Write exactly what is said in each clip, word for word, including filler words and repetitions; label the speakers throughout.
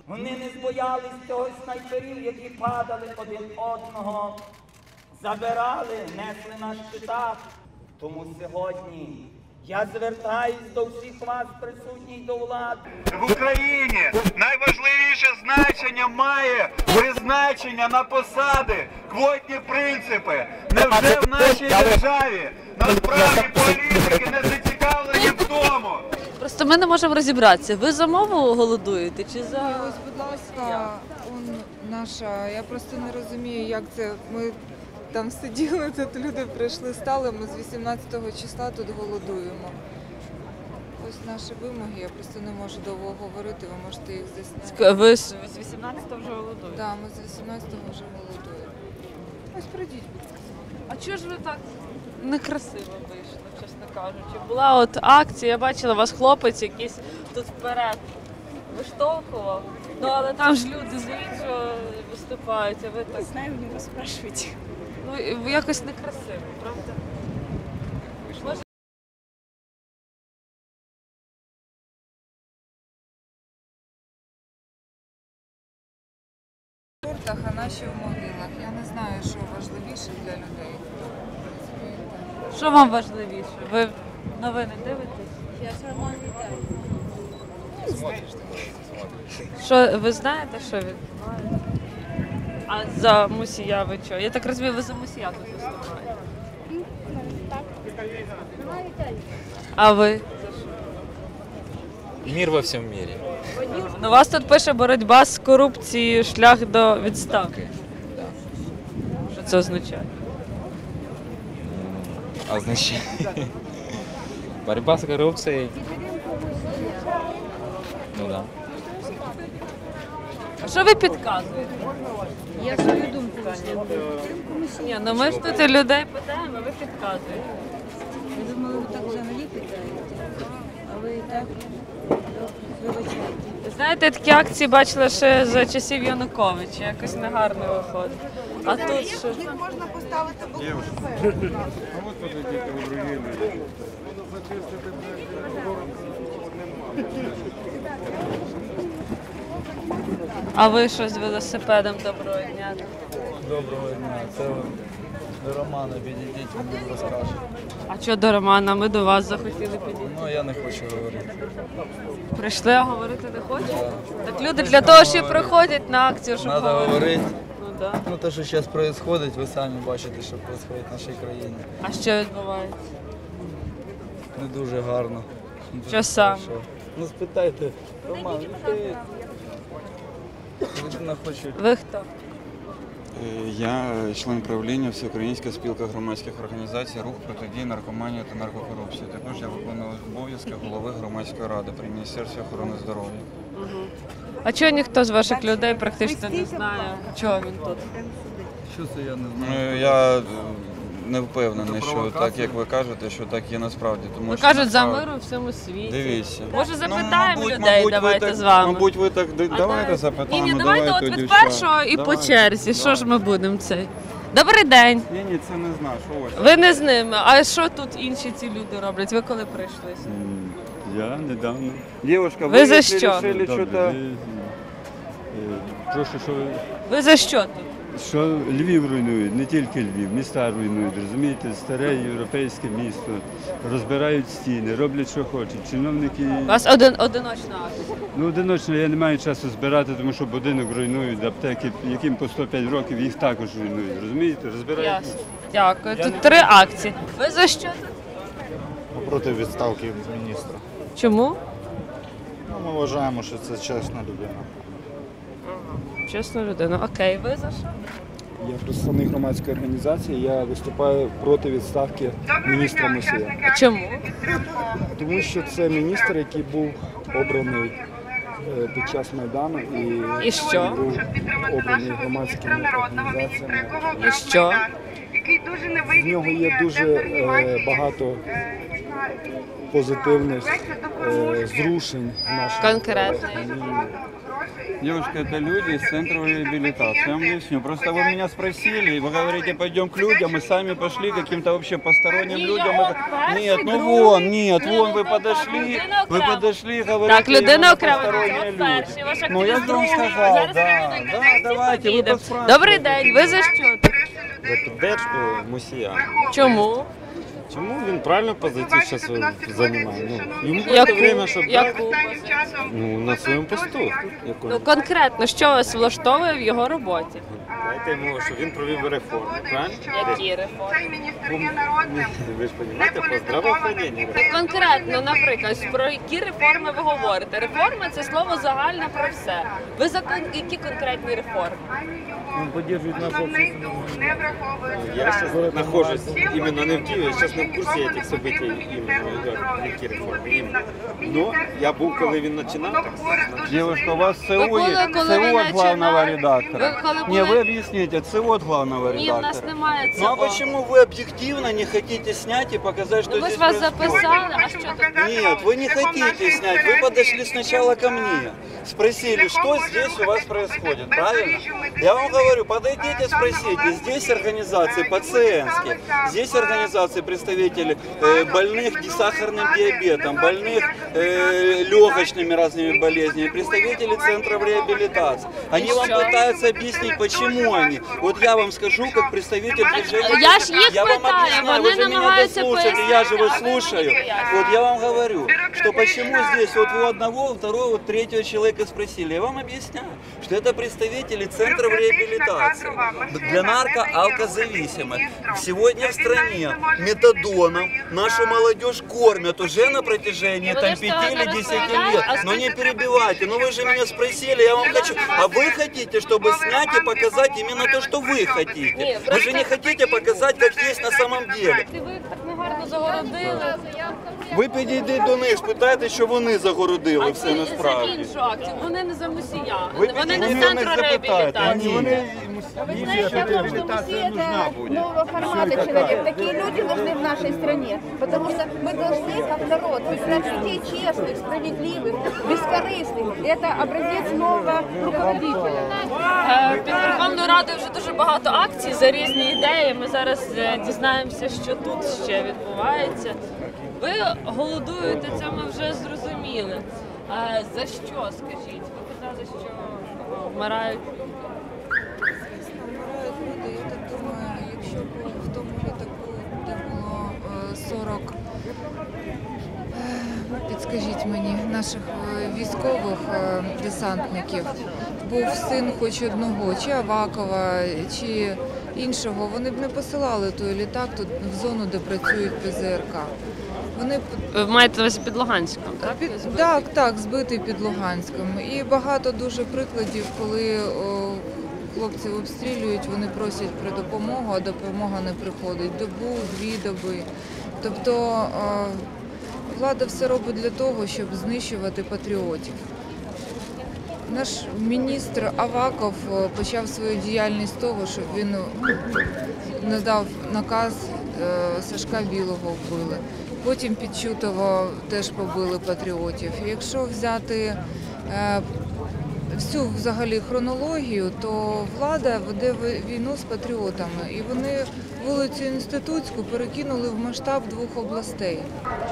Speaker 1: Вони не збоялись цього снайперів, які падали один одного, забирали, несли на щитах. Тому сьогодні я звертаюсь до всіх вас, присутніх до влади.
Speaker 2: В Україні найважливіше значення має призначення на посади, квотні принципи. Невже в нашій державі насправді політики не зацікавлені в тому?
Speaker 3: Просто ми не можемо розібратися, ви за мову голодуєте чи за...
Speaker 4: Ось, будь ласка, он наша, я просто не розумію, як це, ми там сиділи, тут люди прийшли, стали, ми з вісімнадцятого числа тут голодуємо. Ось наші вимоги, я просто не можу довго говорити, ви можете їх засняти.
Speaker 3: Ви з вісімнадцятого вже голодуєте?
Speaker 4: Так, ми з вісімнадцятого вже голодуємо. Ось прийдіть, будь ласка.
Speaker 3: А чого ж ви так некрасиво вийшли, чесно кажучи? Була от акція, я бачила, вас хлопець якийсь тут вперед виштовхував. Ну, але там ж люди з іншого виступають, а ви так...
Speaker 5: Не знаю, у него спрашивайте.
Speaker 3: Ну, якось некрасиво, правда? Може...
Speaker 4: В тортах, а наші в могилах. Я не знаю, що важливіше для людей.
Speaker 3: Що вам важливіше? Ви новини дивитесь?
Speaker 5: Я сама вітаю.
Speaker 3: Що, ви знаєте, що відбувається? А за Мусія ви що? Я так розумію, ви за Мусія тут виступаєте.
Speaker 5: Так. Сама вітаю.
Speaker 3: А ви?
Speaker 6: Мир во всем мире.
Speaker 3: Ну, у вас тут пише боротьба з корупцією, шлях до відставки. Що це означає?
Speaker 6: Означает борьба с коррупцией. Ну да.
Speaker 3: А що ви підказуєте?
Speaker 5: Я свою думку висловлюю.
Speaker 3: Ні, ну ми ж тут і людей питаємо, а ви підказуєте.
Speaker 5: Я думала, ви так взагалі питаєте. А ви і так вибачайте.
Speaker 3: Знаєте, такі акції бачила ще за часів Януковича, якось негарно виходить. А тут що?
Speaker 4: Можна поставити
Speaker 3: А ви що з велосипедом? Доброго дня.
Speaker 7: Доброго дня, це до Романа підійдіть, він вам розкаже.
Speaker 3: А що до Романа? Ми до вас захотіли підійти.
Speaker 7: Ну, я не хочу говорити.
Speaker 3: Прийшли, а говорити не хочете? Так люди для того, що і приходять на акцію, щоб
Speaker 7: Треба
Speaker 3: говорити.
Speaker 7: говорити.
Speaker 3: Ну, да.
Speaker 7: Ну, те, що зараз відбувається, ви самі бачите, що відбувається в нашій країні.
Speaker 3: А що відбувається?
Speaker 7: Не дуже гарно. Не дуже
Speaker 3: Що саме?
Speaker 7: хорошо. Ну, спитайте, Роман, відповідь. Людина хоче.
Speaker 3: Ви хто?
Speaker 8: Я член правління Всеукраїнська спілка громадських організацій «Рух протидії наркоманії та наркокорупції». Також я виконую обов'язки голови громадської ради при Міністерстві охорони здоров'я.
Speaker 3: Угу. А чого ніхто з ваших людей практично не знає, чого він тут?
Speaker 7: Що це я не знаю?
Speaker 8: Ну, я не впевнений, що так, як ви кажете, що так є насправді. Тому
Speaker 3: Ви
Speaker 8: що
Speaker 3: кажуть, за
Speaker 8: насправді-
Speaker 3: мир у всьому світі.
Speaker 8: Дивіться.
Speaker 3: Може,
Speaker 8: Ну,
Speaker 3: запитаємо
Speaker 8: мабуть,
Speaker 3: людей,
Speaker 8: мабуть,
Speaker 3: давайте
Speaker 8: ви так,
Speaker 3: з вами.
Speaker 8: Мабуть, ви так,
Speaker 3: А
Speaker 8: давайте запитаємо.
Speaker 3: Ні, ні, давайте от
Speaker 8: тоді
Speaker 3: від
Speaker 8: що.
Speaker 3: першого і по
Speaker 8: Давайте,
Speaker 3: черзі. Що ж
Speaker 8: давайте.
Speaker 3: ми будемо цей? Добрий день.
Speaker 8: Ні, ні, це не знаю, що ось.
Speaker 3: Ви не з ними. А що тут інші ці люди роблять? Ви коли прийшли?
Speaker 9: Я недавно.
Speaker 8: Дівчинка,
Speaker 3: Ви за
Speaker 8: якщо
Speaker 3: що?
Speaker 8: рішили
Speaker 9: Добре,
Speaker 8: що-то...
Speaker 9: ви, е, Прошу, що,
Speaker 3: Ви за що тут?
Speaker 9: що Львів руйнують, не тільки Львів, міста руйнують, розумієте, старе європейське місто, розбирають стіни, роблять, що хочуть. Чиновники,
Speaker 3: У вас один, одиночна акція.
Speaker 9: ну одиночно я не маю часу збирати, тому що будинок руйнують, аптеки, яким по сто п'ять років, їх також руйнують, розумієте, розбирають.
Speaker 3: Ясно. Дякую. Тут три акції. Ви за що тут?
Speaker 10: Проти відставки міністра.
Speaker 3: Чому?
Speaker 10: Ну, ми вважаємо, що це чесна людина.
Speaker 3: Чесна людина. Окей, ви за що?
Speaker 11: Я представник громадської організації, я виступаю проти відставки міністра Мусія.
Speaker 3: Чому?
Speaker 11: Тому що це міністр, який був обраний е, під час Майдану і,
Speaker 3: І що?
Speaker 11: був обраний громадськими організаціями.
Speaker 3: І що?
Speaker 11: В нього є дуже е, багато позитивних е, зрушень в нашому
Speaker 3: Конкретно.
Speaker 11: країні.
Speaker 8: Девушка, это люди из центра реабилитации. Я вам объясню. Просто вы меня спросили, и вы говорите, пойдем к людям, и сами пошли каким-то вообще посторонним людям. Нет, ну вон, нет, вон вы подошли, вы подошли и говорите,
Speaker 3: Так, людина
Speaker 8: именно
Speaker 3: окремо.
Speaker 8: посторонние
Speaker 3: От
Speaker 8: люди.
Speaker 3: перший, ваш
Speaker 8: Ну я
Speaker 3: активіст
Speaker 8: же вам
Speaker 3: другий.
Speaker 8: сказал,
Speaker 3: Зараз
Speaker 8: да,
Speaker 3: ми
Speaker 8: да,
Speaker 3: будемо
Speaker 8: давайте, вы
Speaker 3: їдемо.
Speaker 8: поспрашивайте.
Speaker 3: Добрий день, ви за що тут?
Speaker 12: За піддержку Мусія.
Speaker 3: Чому?
Speaker 12: Чому він правильну позицію зараз займає? Ну, йому
Speaker 3: Яку?
Speaker 12: треба время, щоб
Speaker 3: Яку?
Speaker 12: ну, на своєму посту. Яку?
Speaker 3: Ну конкретно, що вас влаштовує в його роботі?
Speaker 12: Дайте йому, що він провів реформи, правильно?
Speaker 3: Які реформи?
Speaker 12: Ви ж розумієте, по здравоохраненню.
Speaker 3: Конкретно, наприклад, про які реформи ви говорите? Реформи – це слово загальне про все. Ви за кон- які конкретні реформи?
Speaker 12: Він підтримує нашу общественну. Я зараз знаходжусь іменно не в Києві, я зараз не в курсі цих событий, іменно, які реформи. Іменно. Но я був, коли він починав, так сказати.
Speaker 8: Девушка, у вас ЦО,
Speaker 3: Вы были,
Speaker 8: есть-
Speaker 3: коли
Speaker 8: ЦО
Speaker 3: ви
Speaker 8: от главного
Speaker 3: начинали?
Speaker 8: редактора.
Speaker 3: Ви коли
Speaker 8: Не,
Speaker 3: були-
Speaker 8: вы объясните, ЦО от главного
Speaker 3: Ні, в нас
Speaker 8: редактора.
Speaker 3: немає
Speaker 8: Ну а
Speaker 3: цього.
Speaker 8: почему вы объективно не хотите снять и показать, что
Speaker 3: Ну, ви
Speaker 8: здесь
Speaker 3: ж вас
Speaker 8: происходит?
Speaker 3: записали, а що тут?
Speaker 8: Нет, вы не хотите снять, вы подошли сначала ко мне, спросили, что здесь у вас происходит, правильно? Я вам говорю, подойдите, спросите, здесь организации пациентские, здесь организации представители э, больных сахарным диабетом, больных э, легочными разными болезнями, представители центров реабилитации. Они вам пытаются объяснить, почему они. Вот я вам скажу, как представитель движения.
Speaker 3: Я ж їх
Speaker 8: я вам
Speaker 3: питаю,
Speaker 8: объясняю,
Speaker 3: вони
Speaker 8: вы же меня
Speaker 3: намагаються
Speaker 8: дослушали, я же
Speaker 3: пояснити,
Speaker 8: вас
Speaker 3: а ви мені
Speaker 8: слушаю.
Speaker 3: пояснюєте.
Speaker 8: Вот я вам говорю, что почему здесь вот у одного, у второго, у третьего человека спросили. Я вам объясняю, что это представители центров реабилитации для нарко-алкозависимых. Сегодня в стране метадоном нашу молодежь кормят уже на протяжении
Speaker 3: Ну,
Speaker 8: там
Speaker 3: вы что,
Speaker 8: пяти или
Speaker 3: это
Speaker 8: десяти
Speaker 3: рассказали?
Speaker 8: лет.
Speaker 3: А
Speaker 8: Но не перебивайте, ну вы же меня спросили, я вам хочу. А вы хотите, чтобы снять и показать именно то, что вы хотите. Вы же не хотите показать, как есть на самом деле.
Speaker 3: Ви їх так негарно загородили.
Speaker 8: Ви підійдіть до них, спитайте, що вони загородили
Speaker 3: А
Speaker 8: все
Speaker 3: ці за
Speaker 8: насправді.
Speaker 3: іншу акцію. Вони не за Мусія.
Speaker 8: Ви
Speaker 3: Вони не
Speaker 8: підійдіть
Speaker 3: з
Speaker 8: до них,
Speaker 3: центру
Speaker 8: запитайте.
Speaker 3: реабілітації.
Speaker 8: Вони
Speaker 13: Вы знаете, что Мусия это нового формата человек. Такие люди нужны в нашей стране. Потому что мы должны, как народ, выбирать людей честных, справедливых, бескорыстных. И это образец нового руководителя.
Speaker 3: Е, Під Верховною Радою вже дуже багато акцій за різні ідеї. Ми зараз е, дізнаємося, що тут ще відбувається. Ви голодуєте, це ми вже зрозуміли. Е, За що, скажіть? Ви казали, що е, вмирають люди.
Speaker 4: Вмирають люди, я так думаю, якщо б в тому літаку, де було е, сорок, е, підскажіть мені, наших е, військових е, десантників, був син хоч одного, чи Авакова, чи іншого, вони б не посилали той літак тут в зону, де працюють Пе Зе Ер Ка. Вони б
Speaker 3: Ви маєте на увазі під Луганськом, так?
Speaker 4: Під, так, так, збитий під Луганськом. І багато дуже прикладів, коли о, хлопців обстрілюють, вони просять про допомогу, а допомога не приходить. Добу, дві доби. Тобто о, влада все робить для того, щоб знищувати патріотів. Наш міністр Аваков о, почав свою діяльність з того, щоб він надав наказ, е, Сашка Білого вбили. Потім під Чутово теж побили патріотів. Якщо взяти е, всю взагалі хронологію, то влада веде війну з патріотами. І вони вулицю Інститутську перекинули в масштаб двох областей.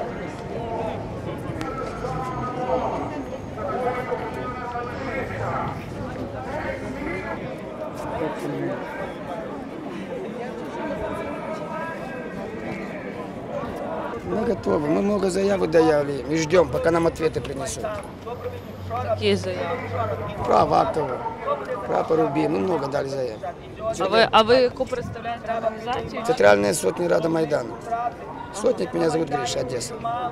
Speaker 14: Мы готовы. Мы много заявок даяли. Мы ждем, пока нам ответы принесут.
Speaker 3: Які заяви?
Speaker 14: Про Авакова, про Поруби. Мы много дали заявок.
Speaker 3: А ви, а ви яку представляєте організацію?
Speaker 14: Центральная сотня Рада Майдана. Сотник меня зовут Гриша, Одесса.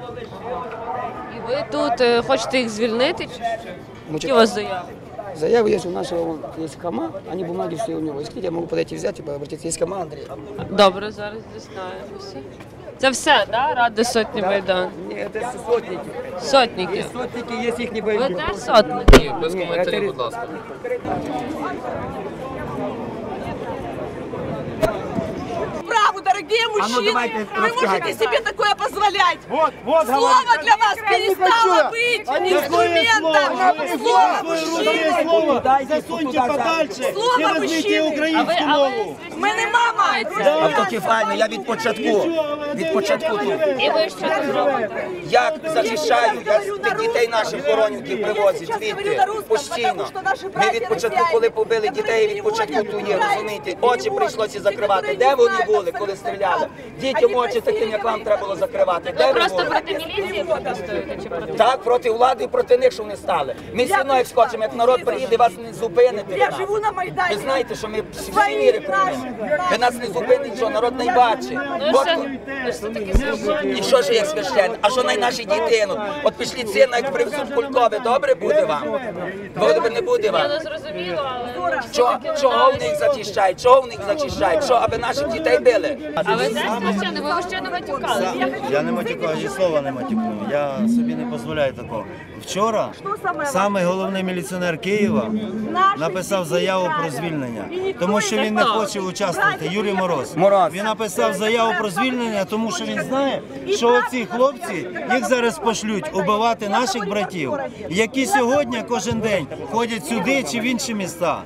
Speaker 3: І ви тут е, хочете їх звільнити? Чи що? Які у вас заяви?
Speaker 14: Заявы есть у нашего, вон, есть Кама, они бумаги все у него. Если хотите, я могу подойти взять и обратиться. Есть Кама Андрей.
Speaker 3: Добре, зараз дізнаємося. Це все, да? Ради сотні Майдан?
Speaker 14: Ні, це сотники.
Speaker 3: Сотники?
Speaker 14: Є сотники, є їхні
Speaker 3: Ви
Speaker 14: бойовики.
Speaker 3: теж сотники?
Speaker 14: Без коментарів, будь ласка.
Speaker 15: Правду Дорогие
Speaker 1: А ну,
Speaker 15: мужчины,
Speaker 1: давайте,
Speaker 15: вы
Speaker 1: расскажите.
Speaker 15: можете себе такое позволять.
Speaker 10: Вот, вот,
Speaker 15: Слово
Speaker 10: говорит.
Speaker 15: для вас перестало быть инструментом. Слово мужчины.
Speaker 10: Слово засуньте подальше
Speaker 15: Слово
Speaker 10: і візьміть
Speaker 15: мужчини.
Speaker 10: українську мову.
Speaker 15: Ми не мама.
Speaker 1: Автокефально, я від початку, від початку тут.
Speaker 3: І ви що тут робите?
Speaker 1: Як захищаю, я тих дітей наших хоронівки привозять звідти постійно. Ми від початку, коли побили дітей, від початку тут є, розумієте? Очі прийшлося закривати. Де вони були, коли стріляли? Дітям очі таким, як вам треба було закривати. Де
Speaker 3: Ви
Speaker 1: ви
Speaker 3: просто
Speaker 1: були?
Speaker 3: проти міліції протестуєте чи проти?
Speaker 1: Так, проти влади і проти них, що вони стали. Ми все одно як скочимо, як народ приїде, вас не зупинити.
Speaker 15: Я живу на Майдані.
Speaker 1: Ви знаєте, що ми всі міри приймемо. Ви нас не зупинить, що народ не бачить.
Speaker 3: Ну
Speaker 1: От-
Speaker 3: все, ви ж таки священник.
Speaker 1: І що ж як священник? А що най наші діти? Ну, от пішліть сина, як привезуть Кулькове, добре буде вам? Добре не буде
Speaker 3: Я
Speaker 1: вам.
Speaker 3: не зрозуміло, але...
Speaker 1: Чого, чого в них зачищають? Чого в них зачищають? Що, аби наших дітей били?
Speaker 3: А ви теж священник? Ви ще не матюкали?
Speaker 16: Я не матюкаю, ні слова не матюкну. Я собі не дозволяю такого. Вчора самий головний міліціонер Києва написав заяву про звільнення, тому що він не хоче участвувати. Юрій Мороз.
Speaker 1: Мороз.
Speaker 16: Він написав заяву про звільнення, тому що він знає, що оці хлопці їх зараз пошлють убивати наших братів, які сьогодні кожен день ходять сюди чи в інші міста.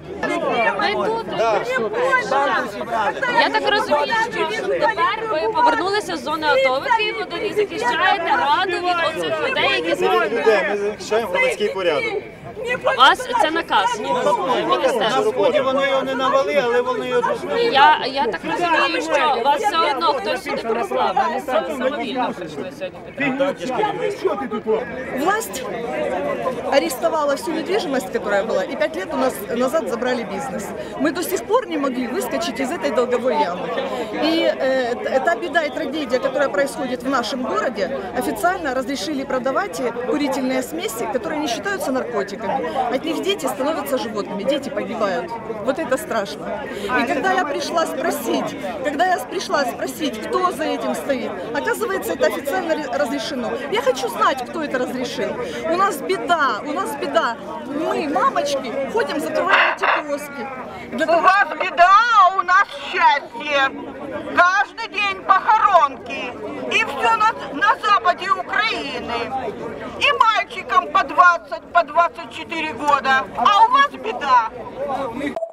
Speaker 3: Я так розумію, що тепер ви повернулися з зони АТО, ви Київладі і захищаєте раду від оцих людей, які зараз...
Speaker 10: Ми захищаємо громадський порядок.
Speaker 3: У вас це наказ міністерства.
Speaker 16: Насправді вони його не навали, але вони його пішли.
Speaker 3: Я, я так розумію, що вас все одно хтось сюди прислав, ви не самовільно прийшли сьогодні.
Speaker 15: Власть арестовала всю недвижимость, которая была, и пять лет у нас назад забрали бизнес. Мы до сих пор не могли выскочить из этой долговой ямы. И э, та беда и трагедия, которая происходит в нашем городе, официально разрешили продавать курительные смеси, которые не считаются наркотиками. От них дети становятся животными, дети погибают. Вот это страшно. И когда я пришла спросить, когда я пришла спросить, кто за этим стоит, оказывается, это официально разрешено. Я хочу знать, кто это разрешил. У нас беда, у нас беда. Мы, мамочки, ходим, закрываем эти киоски. Для того,
Speaker 17: у вас беда, а у нас счастье. Каждый день похоронки. И все на, на западе Украины. И мальчикам по двадцать, по двадцать четыре года. А у вас беда.